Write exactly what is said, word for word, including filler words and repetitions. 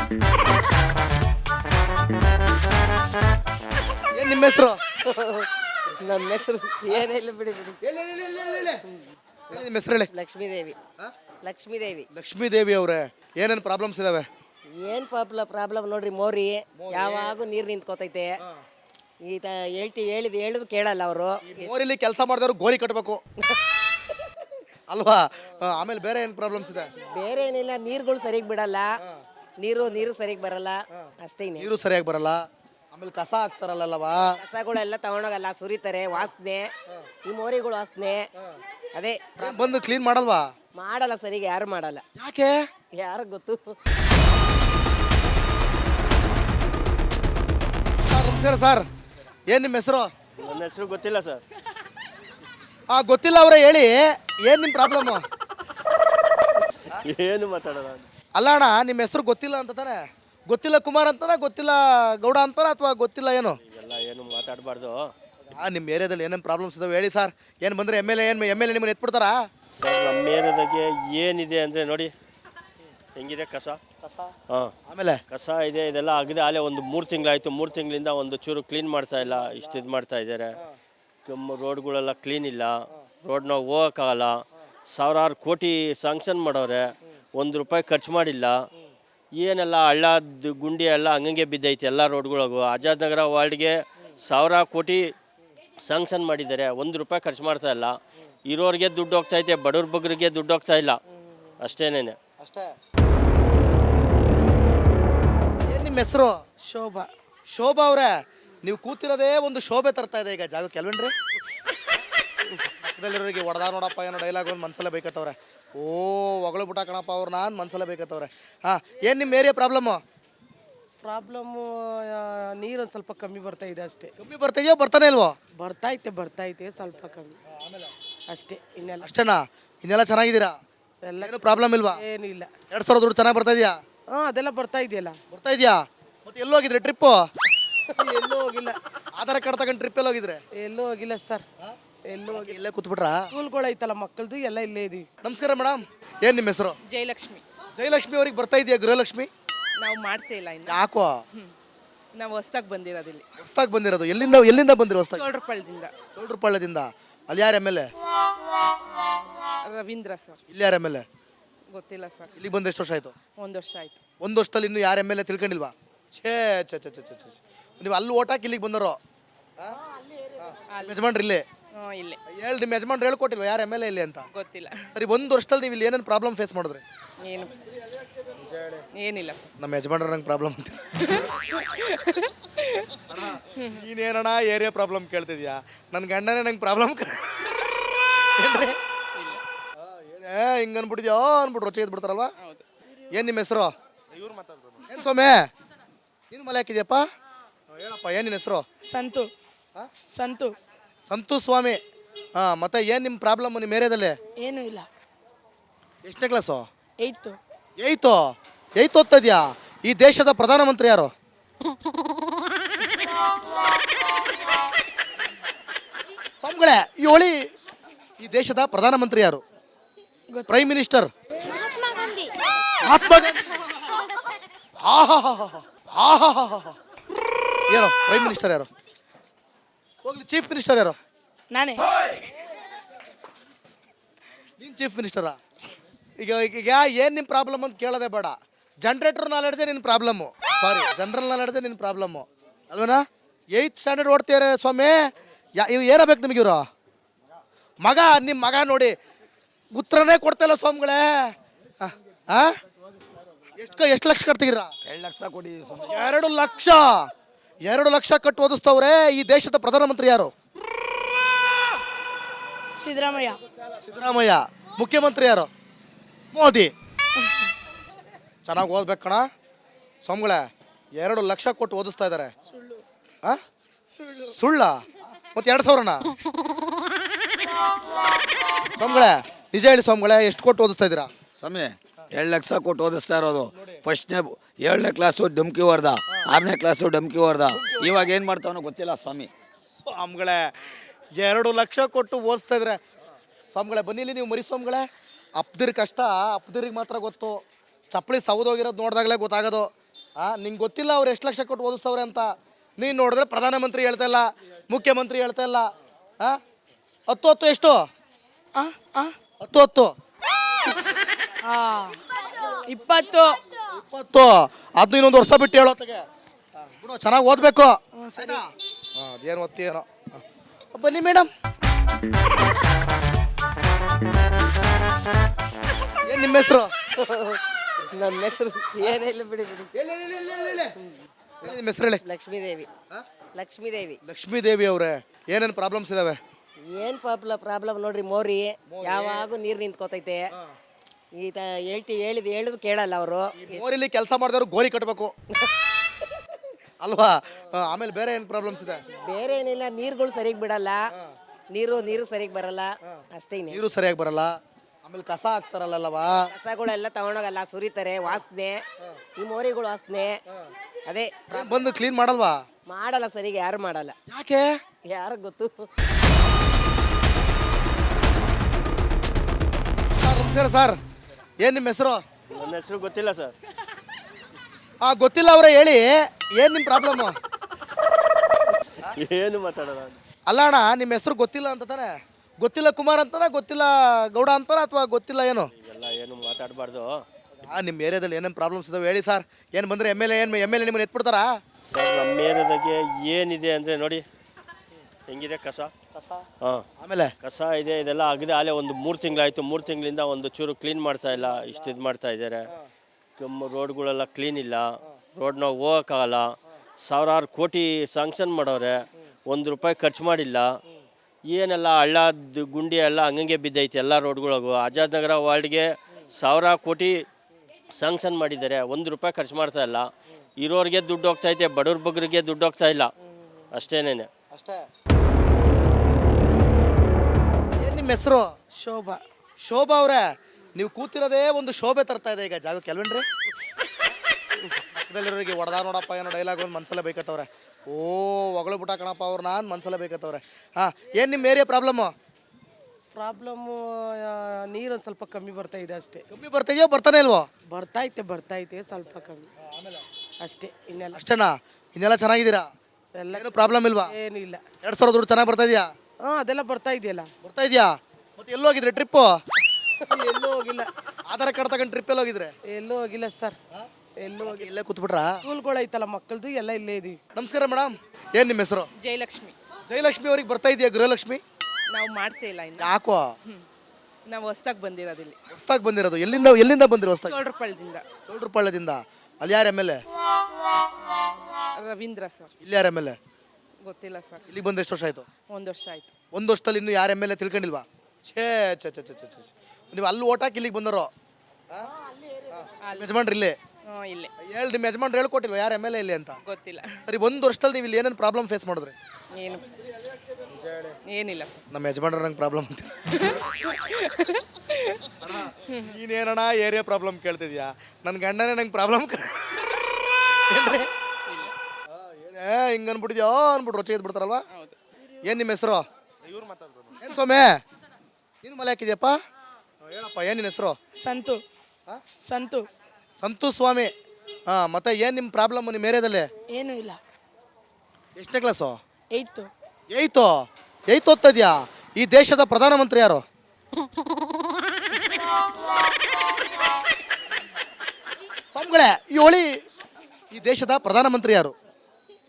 ಏನ್ ನಿಮ್ಮ ಹೆಸರು? ನಮ್ಮ ಹೆಸರು ಏನಿಲ್ಲ ಬಿಡಿ ಬಿಡಿ. ನಿಮ್ಮ ಹೆಸರು ಹೇಳಿ. ಲಕ್ಷ್ಮೀದೇವಿ. ಲಕ್ಷ್ಮೀದೇವಿ. ಲಕ್ಷ್ಮೀದೇವಿ ಅವ್ರೆ, ಏನೇನು ಪ್ರಾಬ್ಲಮ್ಸ್ ಇದಾವೆ? ಏನ್ ಪ್ರಾಬ್ಲಮ್ ಪ್ರಾಬ್ಲಮ್ ನೋಡ್ರಿ, ಮೋರಿ ಯಾವಾಗೂ ನೀರು ನಿಂತ್ಕೋತೈತೆ. ಈ ತ ಹೇಳ್ತೀವಿ, ಹೇಳಿದ್ ಹೇಳಿದ್ರು ಕೇಳಲ್ಲ ಅವರು. ಮೋರಿಲಿ ಕೆಲಸ ಮಾಡಿದವರು ಗೋರಿ ಕಟ್ಟಬೇಕು ಅಲ್ವಾ? ಆಮೇಲೆ ಬೇರೆ ಏನು ಪ್ರಾಬ್ಲಮ್ಸ್ ಇದೆ? ಬೇರೆ ಏನಿಲ್ಲ, ನೀರುಗಳು ಸರಿಯಾಗಿ ಬಿಡಲ್ಲ, ನೀರು ನೀರು ಸರಿಯಾಗಿ ಬರಲ್ಲ ಅಷ್ಟೇ. ನೀರು ಸರಿಯಾಗಿ ಬರಲ್ಲ. ಆಮೇಲೆ ಕಸ ಹಾಕ್ತಾರಲ್ಲವಾ, ಕಸಗಳೆಲ್ಲ ತಗೊಂಡೋಗಲ್ಲ, ಸುರಿತಾರೆ, ವಾಸನೆ, ಈ ಮೋರಿಗಳು ವಾಸನೆ. ಅದೇ ಬಂದು ಕ್ಲೀನ್ ಮಾಡಲ್ವಾ? ಮಾಡಲ್ಲ ಸರಿಗೆ, ಯಾರು ಮಾಡಲ್ಲ. ಯಾಕೆ? ಯಾರು ಗೊತ್ತು. ನಮಸ್ಕಾರ ಸರ್, ಏನ್ ನಿಮ್ಮ ಹೆಸರು? ನನ್ನ ಹೆಸರು ಗೊತ್ತಿಲ್ಲ ಸರ್. ಆ ಗೊತ್ತಿಲ್ಲ ಅವರೇ, ಹೇಳಿ ಏನ್ ನಿಮ್ಮ ಪ್ರಾಬ್ಲಮ್? ಏನು ಮಾತಾಡೋಣ? ಅಲ್ಲ ಅಣ್ಣ, ನಿಮ್ಮ ಹೆಸರು ಗೊತ್ತಿಲ್ಲ ಅಂತ ತಾನೆ? ಗೊತ್ತಿಲ್ಲ ಕುಮಾರ್ ಅಂತಾನ, ಗೊತ್ತಿಲ್ಲ ಗೌಡ ಅಂತಾನ, ಅಥವಾ ಗೊತ್ತಿಲ್ಲ ಏನು? ಎಲ್ಲ ಏನು ಮಾತಾಡಬಾರ್ದು. ಆ ನಿಮ್ಮ ಏರಿಯಾದಲ್ಲಿ ಏನೇನು ಪ್ರಾಬ್ಲಮ್ಸ್ ಇದಾವೆ ಹೇಳಿ ಸರ್. ಏನು ಬಂದರೆ ಎಮ್ ಎಲ್ ಎ ಏನು ಎಮ್ ಎಲ್ ಎ ನಿಮ್ಮನ್ನು ಎತ್ಬಿಡ್ತಾರಾ? ಸರ್ ನಮ್ಮ ಏರಿಯಾದಾಗೆ ಏನಿದೆ ಅಂದರೆ ನೋಡಿ ಹೆಂಗಿದೆ ಕಸ. ಕಸ ಹಾಂ, ಆಮೇಲೆ ಕಸ ಇದೆ, ಇದೆಲ್ಲ ಆಗಿದೆ. ಅಲ್ಲೇ ಒಂದು ಮೂರು ತಿಂಗಳಾಯಿತು, ಮೂರು ತಿಂಗಳಿಂದ ಒಂದು ಚೂರು ಕ್ಲೀನ್ ಮಾಡ್ತಾ ಇಲ್ಲ, ಇಷ್ಟು ಇದು ಮಾಡ್ತಾ ಇದ್ದಾರೆ. ಕೆಮ್ಮ ರೋಡ್ಗಳೆಲ್ಲ ಕ್ಲೀನ್ ಇಲ್ಲ, ರೋಡ್ನ ಹೋಗೋಕ್ಕಾಗಲ್ಲ. ಸಾವಿರಾರು ಕೋಟಿ ಸ್ಯಾಂಕ್ಷನ್ ಮಾಡೋರೆ, ಒಂದು ರೂಪಾಯಿ ಖರ್ಚು ಮಾಡಿಲ್ಲ. ಏನೆಲ್ಲ ಹಳ್ಳದ ಗುಂಡಿ ಎಲ್ಲ ಹಂಗಂಗೆ ಬಿದ್ದೈತೆ ಎಲ್ಲ ರೋಡ್ಗಳಿಗೂ. ಆಜಾದ್ ನಗರ ವಾರ್ಡ್ಗೆ ಸಾವಿರ ಕೋಟಿ ಸ್ಯಾಂಕ್ಷನ್ ಮಾಡಿದ್ದಾರೆ, ಒಂದು ರೂಪಾಯಿ ಖರ್ಚು ಮಾಡ್ತಾ ಇಲ್ಲ. ಇರೋರಿಗೆ ದುಡ್ಡು ಹೋಗ್ತೈತೆ, ಬಡವ್ರ ಬಗ್ಗರಿಗೆ ದುಡ್ಡು ಹೋಗ್ತಾ ಇಲ್ಲ, ಅಷ್ಟೇನೇನೆ. ಅಷ್ಟೇ. ಏನು ನಿಮ್ಮ ಹೆಸರು? ಶೋಭಾ. ಶೋಭಾ ಅವರೇ, ನೀವು ಕೂತಿರೋದೇ ಒಂದು ಶೋಭೆ ತರ್ತಾ ಇದೆ ಈಗ ಜಾಗಕ್ಕೆ ಅಲ್ವೇನ್ರಿ? ಪಕ್ಕದಲ್ಲಿರೋರಿಗೆ ಹೊಡೆದ ನೋಡಪ್ಪ ಏನೋ ಡೈಲಾಗ್ ಒಂದು ಮನ್ಸಲ್ಲೇ ಬೇಕತ್ತವ್ರೆ. ಓ ಹೊಗಳು ಬಿಟ್ಟ ಕಣಪ್ಪ ಅವ್ರು, ನಾನು ಮನ್ಸಲ್ಲೇ ಬೇಕತ್ತವ್ರೆ. ಹಾಂ, ಏನು ನಿಮ್ಮ ಏರಿಯಾ ಪ್ರಾಬ್ಲಮ್ಮು? ಪ್ರಾಬ್ಲಮ್ಮು ನೀರು ಒಂದು ಸ್ವಲ್ಪ ಕಮ್ಮಿ ಬರ್ತಾ ಇದೆ ಅಷ್ಟೇ. ಕಮ್ಮಿ ಬರ್ತಿದೆಯೋ ಬರ್ತಾನೆ ಇಲ್ವೋ? ಬರ್ತೈತೆ ಬರ್ತೈತೆ ಸ್ವಲ್ಪ ಕಮ್ಮಿ ಅಷ್ಟೇ, ಇನ್ನೆಲ್ಲ ಅಷ್ಟೇನಾ? ಇನ್ನೆಲ್ಲ ಚೆನ್ನಾಗಿದ್ದೀರಾ? ಎಲ್ಲ ಏನು ಪ್ರಾಬ್ಲಮ್ ಇಲ್ವಾ? ಏನೂ ಇಲ್ಲ. ಎರಡು ಸಾವಿರ ದುಡ್ಡು ಚೆನ್ನಾಗಿ ಬರ್ತಾ ಇದೆಯಾ? ಹಾಂ, ಅದೆಲ್ಲ ಬರ್ತಾ ಇದೆಯಲ್ಲ. ಬರ್ತಾ ಇದೆಯಾ? ಮತ್ತೆ ಎಲ್ಲೋ ಹೋಗಿದ್ರೆ ಟ್ರಿಪ್ಪು? ಎಲ್ಲೂ ಹೋಗಿಲ್ಲ. ಆಧಾರ್ ಕಾರ್ಡ್ ತಗೊಂಡು ಟ್ರಿಪ್ ಎಲ್ಲ ಹೋಗಿದ್ರೆ? ಎಲ್ಲೂ ಹೋಗಿಲ್ಲ ಸರ್, ಎಲ್ಲೂ ಹೋಗಿ. ಇಲ್ಲೇ ಕೂತ್ಬಿಟ್ರಾ? ಸ್ಕೂಲ್ಗಳು ಐತಲ್ಲ ಮಕ್ಕಳದು, ಎಲ್ಲ ಇಲ್ಲೇ ಇದೀವಿ. ನಮಸ್ಕಾರ ಮೇಡಮ್, ಏನು ನಿಮ್ಮ ಹೆಸರು? ಜಯಲಕ್ಷ್ಮಿ. ಜಯಲಕ್ಷ್ಮಿ ಅವ್ರಿಗೆ ಬರ್ತಾ ಇದೆಯಾ ಗೃಹಲಕ್ಷ್ಮಿ? ನಾವು ಮಾಡಿಸೇ ಇಲ್ಲ ಇನ್ನು. ಯಾಕೋ? ನಾವು ಹೊಸ್ದಾಗಿ ಬಂದಿರೋದಿಲ್ಲಿ. ಹೊಸ್ದಾಗಿ ಬಂದಿರೋದು? ಎಲ್ಲಿಂದ ಎಲ್ಲಿಂದ ಬಂದಿರೋ ಹೊಸ್ದಾಗಿ? ಚೋಳ್ರಪಾಳ್ಯದಿಂದ. ಚೌಡ್ರಪಾಳ್ಯದಿಂದ. ಅಲ್ಲಿ ಯಾರು M L A? Ravindra sir. ಇಲ್ಲಿ ಯಾರು ಎಮ್ ಎಲ್ ಎ? ಗೊತ್ತಿಲ್ಲ ಸರ್. ಇಲ್ಲಿಗೆ ಬಂದು ಎಷ್ಟು ವರ್ಷ ಆಯಿತು? ಒಂದು ವರ್ಷ ಆಯಿತು. ಒಂದು ವರ್ಷದಲ್ಲಿ ಇನ್ನೂ ಯಾರು ಎಮ್ ಎಲ್ ಎ ತಿಳ್ಕೊಂಡಿಲ್ವಾ? ಛೇ ಛೇ ಛೇ ಛೇ ಛೇ ಛೇ ನೀವು ಅಲ್ಲಿ ಓಟ್ ಹಾಕಿ ಇಲ್ಲಿಗೆ ಬಂದರೋ? ಯಜಮಾನ್ರು ಇಲ್ಲಿ? ಹಾಂ, ಇಲ್ಲೇ. ಹೇಳಿ, ನಿಮ್ಮ ಯಜಮಾನ್ರು ಹೇಳ್ಕೊಟ್ಟಿಲ್ವ ಯಾರು ಎಮ್ ಎಲ್ ಎ ಇಲ್ಲಿ ಅಂತ? ಗೊತ್ತಿಲ್ಲ. ಸರಿ, ಒಂದು ವರ್ಷದಲ್ಲಿ ನೀವು ಇಲ್ಲಿ ಏನೇನು ಪ್ರಾಬ್ಲಮ್ ಫೇಸ್ ಮಾಡಿದ್ರಿ? ಏನು ಏನಿಲ್ಲ ಸರ್. ನಮ್ಮ ಯಜಮಾನ್ರ ನಂಗೆ ಪ್ರಾಬ್ಲಮ್ ಅಂತ. ನೀನೇನಣ್ಣ ಏರಿಯಾ ಪ್ರಾಬ್ಲಮ್ ಕೇಳ್ತಿದ್ಯಾ? ನನ್ನ ಗಂಡನೇ ನಂಗೆ ಪ್ರಾಬ್ಲಮ್ ಏ ಹಿಂಗೆ ಅನ್ಬಿಟ್ಟಿದ್ಯೋ ಅನ್ಬಿಟ್ಟು ರೊಚ್ಚ ಎದ್ದು ಬಿಡ್ತಾರಲ್ವಾ? ಏನು ನಿಮ್ಮ ಹೆಸರು? ಏನು ಸೋಮೆ, ನೀನು ಮಲೆ ಹಾಕಿದ್ಯಪ್ಪ? ಹೇಳಪ್ಪ, ಏನು ನಿನ್ನ ಹೆಸರು? ಸಂತು. ಸಂತು. ಸಂತು ಸ್ವಾಮಿ. ಹಾಂ, ಮತ್ತೆ ಏನು ನಿಮ್ಮ ಪ್ರಾಬ್ಲಮ್ ನಿಮ್ಮ ಏರಿಯಾದಲ್ಲಿ? ಏನೂ ಇಲ್ಲ. ಎಷ್ಟನೇ ಕ್ಲಾಸು? ಏಯ್ತು. ಏಯ್ತು? ಏಯ್ತು ಓದ್ತಾ ಇದೆಯಾ? ಈ ದೇಶದ ಪ್ರಧಾನಮಂತ್ರಿ ಯಾರು? ಸ್ವಾಮಿಗಳೇ ಹೇಳಿ, ಈ ದೇಶದ ಪ್ರಧಾನಮಂತ್ರಿ ಯಾರು? Prime minister? ಮಹಾತ್ಮ ಗಾಂಧಿ. ಹಾ ಹಾ ಹಾ ಹಾ ಹಾ ಹಾ ಹಾ ಏನೋ ಪ್ರೈಮ್ ಮಿನಿಸ್ಟರ್ ಯಾರು? ಹೋಗ್ಲಿ, ಚೀಫ್ ಮಿನಿಸ್ಟರ್ ಯಾರು? ನಾನೇ. ನೀನು ಚೀಫ್ ಮಿನಿಸ್ಟರಾ? ಈಗ ಈಗ ಏನು ನಿಮ್ಮ ಪ್ರಾಬ್ಲಮ್ ಅಂತ ಕೇಳೋದೇ ಬೇಡ, ಜನ್ರೇಟರ್ ನಾಲೆಡ್ಜೇ ನಿನ್ನ ಪ್ರಾಬ್ಲಮ್ಮು. ಸಾರಿ, ಜನರಲ್ ನಾಲೆಡ್ಜೇ ನಿನ್ನ ಪ್ರಾಬ್ಲಮ್ಮು ಅಲ್ವೇನಾ? ಏಯ್ತ್ ಸ್ಟ್ಯಾಂಡರ್ಡ್ ಓಡ್ತೀರ ಸ್ವಾಮಿ. ಯಾ ಇವು ಏನಾಗಬೇಕು ನಿಮಗೆ? ಇವರು ಮಗ, ನಿಮ್ಮ ಮಗ ನೋಡಿ ಉತ್ತರನೇ ಕೊಡ್ತಾಯಿಲ್ಲ ಸ್ವಾಮಿಗಳೇ. ಹಾಂ, ಎಷ್ಟು ಎಷ್ಟು ಲಕ್ಷ ಕಟ್ತೀರಾ? ಎರಡು ಲಕ್ಷ ಕೊಡಿ. ಎರಡು ಲಕ್ಷ ಎರಡು ಲಕ್ಷ ಕಟ್ಟು ಓದಿಸ್ತವ್ರೆ. ಈ ದೇಶದ ಪ್ರಧಾನಮಂತ್ರಿ ಯಾರು? ಸಿದ್ದರಾಮಯ್ಯ. ಸಿದ್ದರಾಮಯ್ಯ. ಮುಖ್ಯಮಂತ್ರಿ ಯಾರು? ಮೋದಿ. ಚೆನ್ನಾಗಿ ಓದ್ಬೇಕು ಕಣ ಸ್ವಾಮಿಗಳೇ. ಎರಡು ಲಕ್ಷ ಕೊಟ್ಟು ಓದಿಸ್ತಾ ಇದ್ದಾರೆ. ಆ ಸುಳ್ಳ? ಮತ್ತೆ ಎರಡು ಸಾವಿರನ? ಸ್ವಾಮಿಗಳೇ ನಿಜ ಹೇಳಿ ಸ್ವಾಮಿಗಳೇ, ಎಷ್ಟು ಕೊಟ್ಟು ಓದಿಸ್ತಾ ಇದ್ದೀರಾ? ಸ್ವಾಮಿ, ಎರಡು ಲಕ್ಷ ಕೊಟ್ಟು ಓದಿಸ್ತಾ ಇರೋದು. ಫಸ್ಟ್ನೇ ಏಳನೇ ಕ್ಲಾಸು ಡಮ್ಕಿ ಹೊರ್ದ, ಆರನೇ ಕ್ಲಾಸು ಡಮ್ಕಿ ಹೊರ್ದ. ಇವಾಗ ಏನು ಮಾಡ್ತಾವನೋ ಗೊತ್ತಿಲ್ಲ ಸ್ವಾಮಿ. ಸ್ವಾಮಿಗಳೇ, ಎರಡು ಲಕ್ಷ ಕೊಟ್ಟು ಓದಿಸ್ತಾ ಇದ್ರೆ ಸ್ವಾಮಿಗಳೇ. ಬನ್ನಿಲ್ಲಿ ನೀವು ಮರಿ ಸ್ವಾಮಿಗಳೇ. ಅಪ್ದಿರ್ ಕಷ್ಟ ಅಪ್ದಿರಿಗೆ ಮಾತ್ರ ಗೊತ್ತು. ಚಪ್ಪಲಿ ಸೌದೋಗಿರೋದು ನೋಡಿದಾಗಲೇ ಗೊತ್ತಾಗೋದು. ಆ ನಿಂಗೆ ಗೊತ್ತಿಲ್ಲ ಅವ್ರು ಎಷ್ಟು ಲಕ್ಷ ಕೊಟ್ಟು ಓದಿಸ್ತವ್ರೆ ಅಂತ. ನೀನು ನೋಡಿದ್ರೆ ಪ್ರಧಾನಮಂತ್ರಿ ಹೇಳ್ತಾ ಇಲ್ಲ, ಮುಖ್ಯಮಂತ್ರಿ ಹೇಳ್ತಾ ಇಲ್ಲ. ಆ ಹತ್ತು ಹತ್ತು ಎಷ್ಟು? ಹತ್ತು ಹತ್ತು ಇಪ್ಪತ್ತು ಇಪ್ಪತ್ತು ಅದು ಇನ್ನೊಂದು ವರ್ಷ ಬಿಟ್ಟು ಹೇಳೋತ್ತಗೆ ಬಿಡು, ಚೆನ್ನಾಗಿ ಓದಬೇಕು. ಹಾಂ ಅದೇನು ಓದ್ತಿ ಏನೋ. ಬನ್ನಿ ಮೇಡಮ್. ಏನು ನಿಮ್ಮ ಹೆಸರು? ನಮ್ಮ ಹೆಸರು ಏನಿಲ್ಲ ಬಿಡಿ ಬಿಡಿ. ನಿಮ್ಮ ಹೆಸರು ಹೇಳಿ. ಲಕ್ಷ್ಮೀದೇವಿ. ಲಕ್ಷ್ಮೀದೇವಿ. ಲಕ್ಷ್ಮೀದೇವಿ ಅವರೇ, ಏನೇನು ಪ್ರಾಬ್ಲಮ್ಸ್ ಇದಾವೆ? ಏನು ಪ್ರಾಬ್ಲ ಪ್ರಾಬ್ಲಮ್ ನೋಡ್ರಿ, ಮೋರಿ ಯಾವಾಗೂ ನೀರು ನಿಂತ್ಕೋತೈತೆ. ಈ ತ ಹೇಳ್ತೀವಿ ಹೇಳಿದ್ ಹೇಳಿದ್ರು ಕೇಳಲ್ಲ ಅವರು. ಮೋರಿಲಿ ಕೆಲಸ ಮಾಡಿದವರು ಗೋರಿ ಕಟ್ಟಬೇಕು ಅಲ್ವಾ? ಆ, ಆಮೇಲೆ ಬೇರೆ ಏನು ಪ್ರಾಬ್ಲಮ್ಸ್ ಇದೆ? ಬೇರೆ ಏನಿಲ್ಲ, ನೀರುಗಳು ಸರಿಯಾಗಿ ಬಿಡಲ್ಲ, ನೀರು ನೀರು ಸರಿಯಾಗಿ ಬರಲ್ಲ ಅಷ್ಟೇ. ನೀರು ಸರಿಯಾಗಿ ಬರಲ್ಲ. ಆಮೇಲೆ ಕಸ ಹಾಕ್ತಾರಲ್ಲವಾ, ಕಸಗಳೆಲ್ಲ ತಗೊಂಡೋಗಲ್ಲ, ಸುರಿತಾರೆ, ವಾಸನೆ, ಈ ಮೋರಿಗಳು ವಾಸನೆ. ಅದೇ ಬಂದು ಕ್ಲೀನ್ ಮಾಡಲ್ವಾ? ಮಾಡಲ್ಲ ಸರಿಗೆ, ಯಾರು ಮಾಡಲ್ಲ. ಯಾಕೆ? ಯಾರು ಗೊತ್ತು. ಸರ್ ನಮಸ್ಕಾರ ಸರ್, ಏನು ನಿಮ್ಮ ಹೆಸರು? ನನ್ನ ಹೆಸರು ಗೊತ್ತಿಲ್ಲ ಸರ್. ಹಾಂ ಗೊತ್ತಿಲ್ಲ ಅವರೇ, ಹೇಳಿ ಏನು ನಿಮ್ಮ ಪ್ರಾಬ್ಲಮ್ಮು? ಏನು ಮಾತಾಡೋಣ? ಅಲ್ಲ ಅಣ್ಣ, ನಿಮ್ಮ ಹೆಸರು ಗೊತ್ತಿಲ್ಲ ಅಂತ ತಾನೆ? ಗೊತ್ತಿಲ್ಲ ಕುಮಾರ್ ಅಂತಾನ, ಗೊತ್ತಿಲ್ಲ ಗೌಡ ಅಂತಾನ, ಅಥವಾ ಗೊತ್ತಿಲ್ಲ ಏನು? ಎಲ್ಲ ಏನು ಮಾತಾಡಬಾರ್ದು ಹಾಂ ನಿಮ್ಮ ಏರಿಯಾದಲ್ಲಿ ಏನೇನು ಪ್ರಾಬ್ಲಮ್ಸ್ ಇದಾವೆ ಹೇಳಿ ಸರ್. ಏನು ಬಂದರೆ ಎಮ್ ಎಲ್ ಎ ಏನು ಎಮ್ ಎಲ್ ಎ ನಿಮ್ಮನ್ನು ಎತ್ಬಿಡ್ತಾರಾ? ಸರ್. ನಮ್ಮ ಏರಿಯಾದಾಗೆ ಏನಿದೆ ಅಂದರೆ ನೋಡಿ ಹೆಂಗಿದೆ ಕಸ. ಕಸ ಹಾಂ ಆಮೇಲೆ ಕಸ ಇದೆ, ಇದೆಲ್ಲ ಆಗಿದೆ. ಅಲ್ಲೇ ಒಂದು ಮೂರು ತಿಂಗಳಾಯಿತು, ಮೂರು ತಿಂಗಳಿಂದ ಒಂದು ಚೂರು ಕ್ಲೀನ್ ಮಾಡ್ತಾ ಇಲ್ಲ, ಇಷ್ಟು ಇದು ಮಾಡ್ತಾ ಇದ್ದಾರೆ. ಕೆಮ್ಮ ರೋಡ್ಗಳೆಲ್ಲ ಕ್ಲೀನ್ ಇಲ್ಲ, ರೋಡ್ನಾಗ ಹೋಗೋಕ್ಕಾಗಲ್ಲ. ಸಾವಿರಾರು ಕೋಟಿ ಸ್ಯಾಂಕ್ಷನ್ ಮಾಡವ್ರೆ, ಒಂದು ರೂಪಾಯಿ ಖರ್ಚು ಮಾಡಿಲ್ಲ. ಏನೆಲ್ಲ ಹಳ್ಳದ ಗುಂಡಿ ಎಲ್ಲ ಹಂಗಂಗೆ ಬಿದ್ದೈತೆ ಎಲ್ಲ ರೋಡ್ಗಳಿಗೂ. ಆಜಾದ್ ನಗರ ವಾರ್ಡ್ಗೆ ಸಾವಿರ ಕೋಟಿ ಸ್ಯಾಂಕ್ಷನ್ ಮಾಡಿದ್ದಾರೆ, ಒಂದು ರೂಪಾಯಿ ಖರ್ಚು ಮಾಡ್ತಾ ಇಲ್ಲ. ಇರೋರಿಗೆ ದುಡ್ಡು ಹೋಗ್ತೈತೆ, ಬಡವ್ರ ಬಗ್ಗರಿಗೆ ದುಡ್ಡು ಹೋಗ್ತಾ ಇಲ್ಲ, ಅಷ್ಟೇನೇನೆ. ಅಷ್ಟೇ. ಏನು ನಿಮ್ಮ ಹೆಸರು? ಶೋಭಾ. ಶೋಭಾ ಅವರೇ, ನೀವು ಕೂತಿರೋದೇ ಒಂದು ಶೋಭೆ ತರ್ತಾ ಇದೆ ಈಗ ಜಾಗಕ್ಕೆ ಅಲ್ವೇನ್ರಿ? ಪಕ್ಕದಲ್ಲಿರೋರಿಗೆ ಹೊಡೆದ ನೋಡಪ್ಪ ಏನೋ ಡೈಲಾಗ್ ಒಂದು ಮನ್ಸಲ್ಲೇ ಬೇಕತ್ತವ್ರೆ. ಓ ಹೊಗಳು ಬಿಟ್ಟ ಕಣಪ್ಪ ಅವ್ರು, ನಾನು ಮನ್ಸಲ್ಲೇ ಬೇಕತ್ತವ್ರೆ. ಹಾಂ ಏನು ನಿಮ್ಮ ಏರಿಯಾ ಪ್ರಾಬ್ಲಮ್ಮು? ಪ್ರಾಬ್ಲಮ್ಮು ನೀರು ಒಂದು ಸ್ವಲ್ಪ ಕಮ್ಮಿ ಬರ್ತಾ ಇದೆ ಅಷ್ಟೇ. ಕಮ್ಮಿ ಬರ್ತಿದೆಯೋ ಬರ್ತಾನೆ ಇಲ್ವೋ? ಬರ್ತೈತೆ ಬರ್ತೈತೆ ಸ್ವಲ್ಪ ಕಮ್ಮಿ ಅಷ್ಟೇ, ಇನ್ನೆಲ್ಲ ಅಷ್ಟೇನಾ? ಇನ್ನೆಲ್ಲ ಚೆನ್ನಾಗಿದ್ದೀರಾ? ಎಲ್ಲ ಏನು ಪ್ರಾಬ್ಲಮ್ ಇಲ್ವಾ? ಏನೂ ಇಲ್ಲ. ಎರಡು ಸಾವಿರ ದುಡ್ಡು ಚೆನ್ನಾಗಿ ಬರ್ತಾ ಇದೆಯಾ? ಹಾಂ ಅದೆಲ್ಲ ಬರ್ತಾ ಇದೆಯಲ್ಲ. ಬರ್ತಾ ಇದೆಯಾ? ಮತ್ತೆ ಎಲ್ಲೂ ಹೋಗಿದ್ರೆ ಟ್ರಿಪ್ಪು? ಎಲ್ಲೂ ಹೋಗಿಲ್ಲ. ಆಧಾರ್ ಕಾರ್ಡ್ ತಗೊಂಡು ಟ್ರಿಪ್ ಎಲ್ಲ ಹೋಗಿದ್ರೆ? ಎಲ್ಲೂ ಹೋಗಿಲ್ಲ ಸರ್, ಎಲ್ಲೂ ಹೋಗಿ. ಇಲ್ಲೇ ಕೂತ್ಬಿಟ್ರಾ? ಸ್ಕೂಲ್ಗಳು ಐತಲ್ಲ ಮಕ್ಕಳದು, ಎಲ್ಲ ಇಲ್ಲೇ ಇದೀವಿ. ನಮಸ್ಕಾರ ಮೇಡಮ್, ಏನು ನಿಮ್ಮ ಹೆಸರು? ಜಯಲಕ್ಷ್ಮಿ. ಜಯಲಕ್ಷ್ಮಿ ಅವ್ರಿಗೆ ಬರ್ತಾ ಇದೆಯಾ ಗೃಹಲಕ್ಷ್ಮಿ? ನಾವು ಮಾಡಿಸೇ ಇಲ್ಲ ಇನ್ನು. ಯಾಕೋ? ನಾವು ಹೊಸ್ದಾಗಿ ಬಂದಿರೋದಿಲ್ಲಿ, ಹೊಸ್ದಾಗಿ ಬಂದಿರೋದು. ಎಲ್ಲಿಂದ ಎಲ್ಲಿಂದ ಬಂದಿರೋ ಹೊಸ್ದಾಗಿ? ಚೋಳ್ರಪಾಳ್ಯದಿಂದ. ಚೌಡ್ರಪಾಳ್ಯದಿಂದ. ಅಲ್ಲಿ ಯಾರು M L A? Ravindra sir. ಇಲ್ಲಿ ಯಾರು ಎಮ್ ಎಲ್ ಎ? ಗೊತ್ತಿಲ್ಲ ಸರ್, ಇಲ್ಲಿಗೆ ಬಂದು ಎಷ್ಟು ವರ್ಷ ಆಯಿತು? ಒಂದು ವರ್ಷ ಆಯಿತು. ಒಂದು ವರ್ಷದಲ್ಲಿ ಇನ್ನೂ ಯಾರು ಎಮ್ ಎಲ್ ಎ ತಿಳ್ಕೊಂಡಿಲ್ವಾ? ಛೇ ಛೇ ಛೇ ಛೇ ಛೇ ಛೇ. ನೀವು ಅಲ್ಲಿ ಓಟ್ ಹಾಕಿ ಇಲ್ಲಿಗೆ ಬಂದರೋ? ಯಜಮಾನ್ರು ಇಲ್ಲಿ ಹ್ಞೂ ಇಲ್ಲೇ. ಹೇಳಿ, ನಿಮ್ಮ ಯಜಮಾನ್ರು ಹೇಳ್ಕೊಟ್ಟಿಲ್ವ ಯಾರು ಎಮ್ ಎಲ್ ಎ ಇಲ್ಲಿ ಅಂತ? ಗೊತ್ತಿಲ್ಲ. ಸರಿ, ಒಂದು ವರ್ಷದಲ್ಲಿ ನೀವು ಇಲ್ಲಿ ಏನೇನು ಪ್ರಾಬ್ಲಮ್ ಫೇಸ್ ಮಾಡಿದ್ರಿ? ಏನು ಏನಿಲ್ಲ ಸರ್. ನಮ್ಮ ಯಜಮಾನ್ರ ನಂಗೆ ಪ್ರಾಬ್ಲಮ್ ಅಂತ. ನೀನೇನಣ್ಣ ಏರಿಯಾ ಪ್ರಾಬ್ಲಮ್ ಕೇಳ್ತಿದ್ಯಾ? ನನ್ನ ಗಂಡನೇ ನಂಗೆ ಪ್ರಾಬ್ಲಮ್ ಏ ಹಿಂಗೆ ಅನ್ಬಿಟ್ಟಿದ್ಯೋ ಅನ್ಬಿಟ್ಟು ರೊಚ್ಚ ಬಿಡ್ತಾರಲ್ವಾ? ಹೌದು. ಏನು ನಿಮ್ಮ ಹೆಸರು? ಏನು ಸ್ವಾಮಿ ನೀನು ಮಲೆ ಹಾಕಿದ್ಯಪ್ಪ? ಹೇಳಪ್ಪ, ಏನು ನಿನ್ನ ಹೆಸರು? ಸಂತು. ಸಂತು. ಸಂತು ಸ್ವಾಮಿ. ಹಾಂ, ಮತ್ತೆ ಏನು ನಿಮ್ಮ ಪ್ರಾಬ್ಲಮ್ಮು ನಿಮ್ಮ ಏರಿಯಾದಲ್ಲಿ? ಏನೂ ಇಲ್ಲ. ಎಷ್ಟನೇ ಕ್ಲಾಸು? ಏಯ್ತು. ಏಯ್ತು ಏಯ್ತು ಓದ್ತಾ ಇದೆಯಾ? ಈ ದೇಶದ ಪ್ರಧಾನಮಂತ್ರಿ ಯಾರು? ಸ್ವಾಮಿಗಳೇ ಈ ಹೋಳಿ, ಈ ದೇಶದ ಪ್ರಧಾನಮಂತ್ರಿ ಯಾರು?